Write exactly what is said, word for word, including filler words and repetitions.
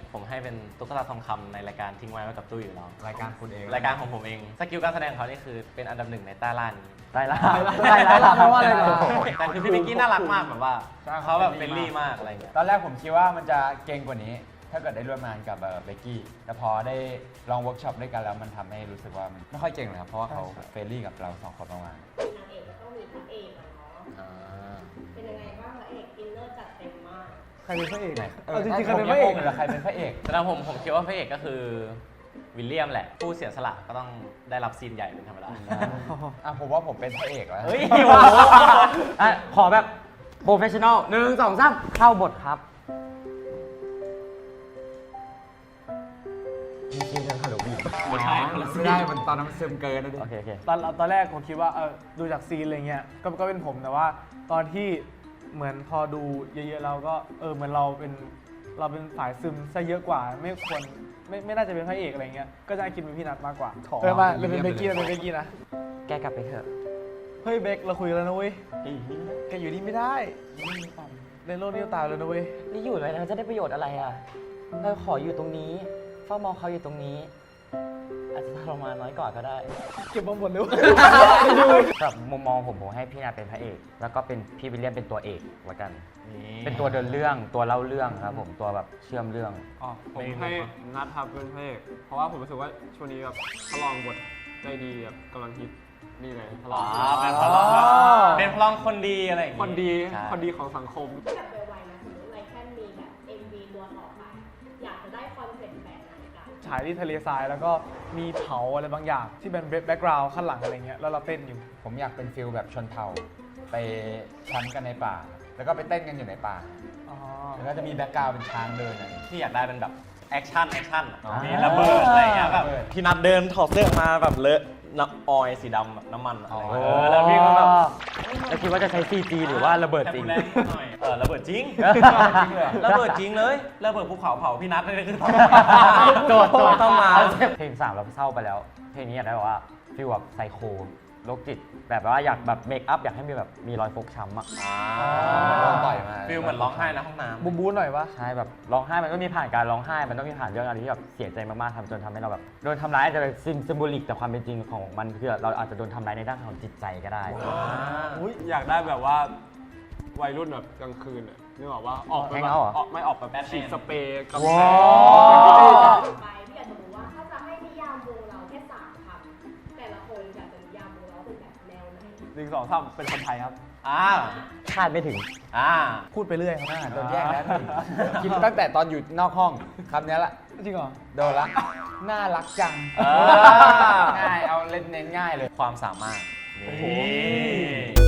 ผมให้เป็นตุ๊กตาทองคำในรายการทิ้งไว้ไว้กับตู้อยู่แล้วรายการคุณเองรายการของผมเองสกิลการแสดงเขานี่คือเป็นอันดับหนึ่งในใต้ล่านี้ได้ละได้ละเพราะว่าอะไรเหรอแต่คือพี่เบกกี้น่ารักมากแบบว่าเขาแบบเฟรนลี่มากอะไรอย่างเงี้ยตอนแรกผมคิดว่ามันจะเก่งกว่านี้ ถ้าเกิดได้ร่วมงานกับเบกกี้แต่พอได้ลองเวิร์กช็อปด้วยกันแล้วมันทำให้รู้สึกว่ามันไม่ค่อยเก่งเลยครับเพราะว่าเขาเฟรนลี่กับเราสองคนมากนางเอกก็ต้องมีพระเอกอะเนาะเป็นยังไงบ้างพระเอกอินเนอร์จัดเต็มมากใครเป็นพระเอกๆเอาจริงๆใครเป็นพระเอกหรือใครเป็นพระเอกสำหรับผมผมคิดว่าพระเอกก็คือวิลเลียมแหละผู้เสียสละก็ต้องได้รับซีนใหญ่เป็นธรรมดาอ่ะผมว่าผมเป็นพระเอกแล้วเฮ้ยโอ้โหอ่ะขอแบบโปรเฟชชั่นอลหนึ่งสองสามเข้าบทครับมีคิวกันฮัลโหลบีไม่ใช่ไม่ได้มันตอนนั้นมันซึมเกินนะดิโอเคโอเคตอนตอนแรกผมคิดว่าเออดูจากซีนอะไรเงี้ยก็ก็เป็นผมแต่ว่าตอนที่เหมือนพอดูเยอะๆเราก็เออเหมือนเราเป็นเราเป็นฝ่ายซึมซะเยอะกว่า ไม่ควรไม่ไม่น่าจะเป็นพระเอกอะไรเงี้ยก็จะคิดเป็นพี่นัทมากกว่าเออมาเราเป็นเบกกี้เราเป็นเบกกี้นะแกกลับไปเถอะเฮ้ยเบกเราคุยกันแล้วนะเว้ยแกอยู่นี่ไม่ได้ในโลกนี้ตายแล้วนะเว้ยนี่อยู่เลยนะจะได้ประโยชน์อะไรอ่ะเราขออยู่ตรงนี้เฝ้ามองเขาอยู่ตรงนี้ อาจจะทรมานน้อยกว่าก็ได้เก็บมาหมดเลยสำหรับมุมมองผมผมให้พี่นาเป็นพระเอก แล้วก็เป็นพี่วิลเลียมเป็นตัวเอกละกัน เป็นตัวเดินเรื่องตัวเล่าเรื่องครับผมตัวแบบเชื่อมเรื่องอ๋อผมให้นัทครับเป็นพระเอกเพราะว่าผมรู้สึกว่าช่วงนี้แบบทดลองบทได้ดีแบบกำลังฮิตนี่เลยทดลอ๋ออง เป็นพลังแบบเป็นพลังคนดีอะไรอย่างคงี้นดีใช่คนดีของสังคมแบบไวๆนะสมมติไรแค่มีแบบ เอ็ม วี ตัวต่อไป อยากจะได้คอนเซ็ปต์แบบไหนกันฉายที่ทะเลทรายแล้วก็มีเผาอะไรบางอย่างที่เป็นแบ็กกราวด์ข้างหลังอะไรเงี้ยแล้วเราเต้นอยู่ผมอยากเป็นฟิลแบบชนเผ่าไปแคมป์กันในป่า แล้วก็ไปเต้นกันอยู่ในป่าอ๋อแล้วก็จะมีแบ็กกราวด์เป็นช้างเดินอะไรที่อยากได้เป็นแบบแอคชั่นแอคชั่นอ๋อมีระเบิดอะไรอย่างเงี้ยแบบระเบิดพี่นัทเดินถอดเสื้อมาแบบเลอะน้ำออยล์สีดำแบบน้ำมันอะไรอย่างเงี้ยอ๋อเออแล้วพี่ก็แบบแล้วคิดว่าจะใช้ ซี จี หรือว่าระเบิดจริงแค่พูแหน่อยเออระเบิดจริงจริงเลยเหรอระเบิดจริงเลยระเบิดภูเขาเผาพี่นัทนี่คือโจทย์โจทย์ต้องมาเพลงสามเราเศร้าไปแล้ว เพลงนี้อยากได้แบบว่าฟีลแบบไซโคโรคจิต แบบว่าอยากแบบเมคอัพอยากให้มีแบบมีรอยฟกช้ำอ่ะโดนต่อยมาฟิลเหมือนร้องไห้ในห้องน้ำบูมบูนหน่อยปะใช่แบบร้องไห้มันต้องมีผ่านการร้องไห้ มันต้องมีผ่านเรื่องอะไรที่แบบเสียใจมากๆทำจนทำให้เราแบบโดนทำร้ายอาจจะเป็นซิมซิมโบลิกแต่ความเป็นจริงของมันคือเราอาจจะโดนทำร้ายในด้านของจิตใจก็ได้อุ๊ยอยากได้แบบว่าวัยรุ่นแบบกลางคืนอะนึกออกว่าออกไปแฮงแบบเอาท์เหรอออกไม่ออกแบบฉีดสเปรย์กำแพว้าง วไปพี่อยากจะรู้ว่าถ้าจะให้นิยามวงเราแค่สามคำแต่ละคนอยากจะนิยามวงเราเป็นแบบแนวไหนหนึ่งสองสามเป็นคนไทยครับอ่าคาดไม่ถึงอ่าพูดไปเรื่อยครับอ่าโดนแย่งแล้วหนึ่งคิดตั้งแต่ตอนอยู่นอกห้องคำนี้ละจริงเหรอโดนละ น่ารักจังอ่าง่าย เอาเล่นเน้นง่ายเลยความสามารถนี่